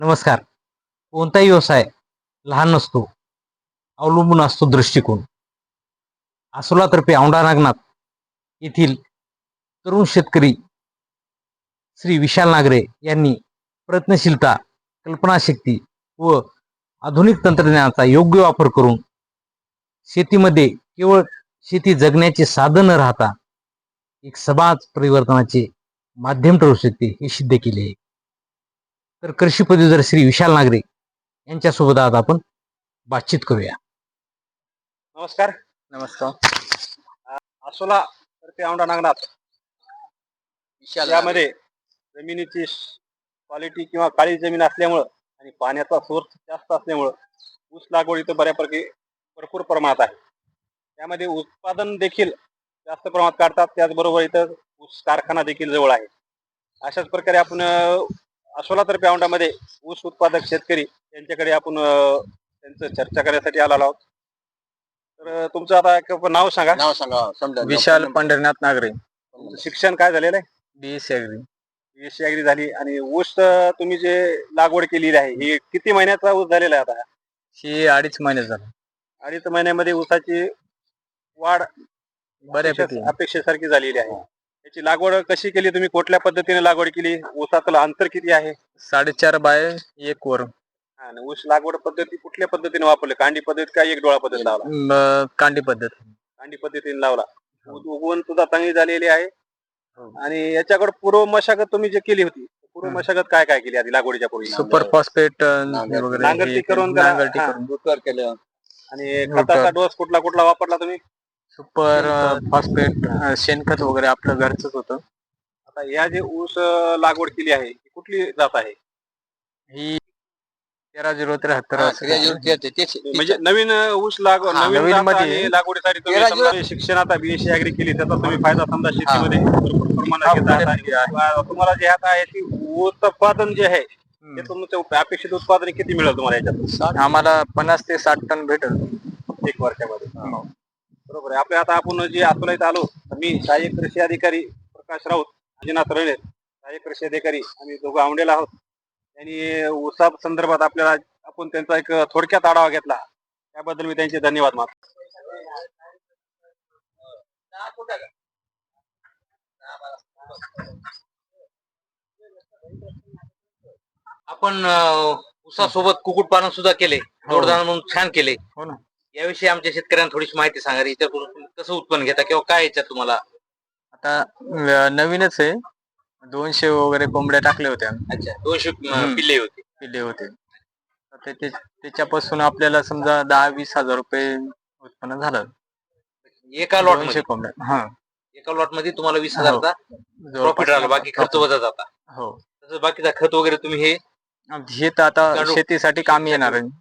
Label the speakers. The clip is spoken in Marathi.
Speaker 1: नमस्कार. कोणताही व्यवसाय लहान नसतो, अवलंबून असतो दृष्टिकोन. आसोलातर्फे औंढा नागनाथ येथील तरुण शेतकरी श्री विशाल नागरे यांनी प्रयत्नशीलता, कल्पनाशक्ती व आधुनिक तंत्रज्ञानाचा योग्य वापर करून शेतीमध्ये केवळ शेती जगण्याचे साधन न राहता एक समाज परिवर्तनाचे माध्यम ठरू शकते हे सिद्ध केले आहे. तर कृषी पदवीधर श्री विशाल नागरे यांच्यासोबत आज आपण बातचीत करूया. नमस्कार.
Speaker 2: नमस्कार.
Speaker 1: आसोला तर्फे औंढा नागनाथ यामध्ये जमिनीची क्वालिटी किंवा काळी जमीन असल्यामुळं आणि पाण्याचा सोर्स जास्त असल्यामुळं ऊस लागवड इथं बऱ्यापैकी भरपूर प्रमाणात आहे. त्यामध्ये उत्पादन देखील जास्त प्रमाणात काढतात. त्याचबरोबर इथं ऊस कारखाना देखील जवळ आहे. अशाच प्रकारे आपण आसोलातर्फे औंढामध्ये ऊस उत्पादक शेतकरी यांच्याकडे आपण त्यांचं चर्चा करण्यासाठी आलो आहोत. तर तुमचं आता नाव सांगा.
Speaker 2: समजा विशाल पंढरीनाथ नागरे.
Speaker 1: शिक्षण काय झालेलं आहे?
Speaker 2: BSc agri.
Speaker 1: बीएससी ॲग्री झाली. आणि ऊस तुम्ही जे लागवड केलेली आहे ही किती महिन्याचा ऊस झालेला आहे आता?
Speaker 2: ही 2.5 महिने झाला.
Speaker 1: 2.5 महिन्यामध्ये ऊसाची वाढ
Speaker 2: बऱ्यापैकी
Speaker 1: अपेक्षेसारखी झालेली आहे. याची लागवड कशी केली तुम्ही? कुठल्या पद्धतीने लागवड केली? ऊसाचं अंतर किती आहे?
Speaker 2: 4.5 बाय 1 वर.
Speaker 1: ऊस लागवड पद्धती कुठल्या पद्धतीने वापरली? कांडी पद्धत का एक डोळा पद्धत लावला?
Speaker 2: कांडी पद्धत.
Speaker 1: कांडी पद्धतीने लावला. उगवण सुद्धा चांगली झालेली आहे. आणि याच्याकडे पूर्व मशागत तुम्ही जे केली होती, पूर्व मशागत काय काय केली आधी लागवडीच्या पूर्वी?
Speaker 2: सुपर फॉस्फेट वगैरे
Speaker 1: नांगरटी करून
Speaker 2: केलं.
Speaker 1: आणि खताचा डोस कुठला कुठला वापरला तुम्ही?
Speaker 2: सुपर फॉस्फेट, शेणखत वगैरे आपलं घरचंच होतं.
Speaker 1: आता या जे ऊस लागवड केली आहे कुठली जात आहे?
Speaker 2: ही 13-0-73.
Speaker 1: म्हणजे नवीन ऊस लागवडीसाठी तुम्ही शिक्षण आता बीएससी ॲग्री केली, त्याचा तुम्ही फायदा समजा शेतीमध्ये भरपूर प्रमाणात घेत आहात. तुम्हाला जे आता याची उत्पादन जे आहे ते तुमचं अपेक्षित उत्पादन किती मिळेल तुम्हाला याच्यात?
Speaker 2: आम्हाला 50 ते 60 टन भेटेल
Speaker 1: 1 वर्षामध्ये. बरोबर आहे. आता आपण जे आसोला इथं आलो, मी सहाय्यक कृषी अधिकारी प्रकाश राऊत, अजिनाथ रणे, सहाय्यक कृषी अधिकारी, आम्ही दोघं औंढेला आहोत. त्यांनी ऊसा संदर्भात आपल्याला आपण त्यांचा एक थोडक्यात आढावा घेतला, त्याबद्दल मी त्यांचे धन्यवाद मानतो. आपण ऊसासोबत कुक्कुटपालन सुद्धा केले, जोडधंदा म्हणून छान केले.
Speaker 2: हो ना.
Speaker 1: याविषयी आमच्या शेतकऱ्यांना थोडीशी माहिती सांगा. याच्याकडून कसं उत्पन्न घेता किंवा काय याच्यात तुम्हाला?
Speaker 2: आता नवीनच आहे. 200 वगैरे कोंबड्या टाकल्या होत्या.
Speaker 1: अच्छा, 200 पिल्ले होते.
Speaker 2: त्याच्यापासून आपल्याला समजा 10-20 हजार रुपये उत्पन्न झालं
Speaker 1: एका लॉट
Speaker 2: 200 कोंबड्या.
Speaker 1: एका लॉट मध्ये तुम्हाला 20,000चा प्रॉफिट राहिला, बाकी खर्च वजा जाता.
Speaker 2: हो.
Speaker 1: तसं बाकीचा खत वगैरे तुम्ही
Speaker 2: हे तर आता शेतीसाठी कामी येणार आहे.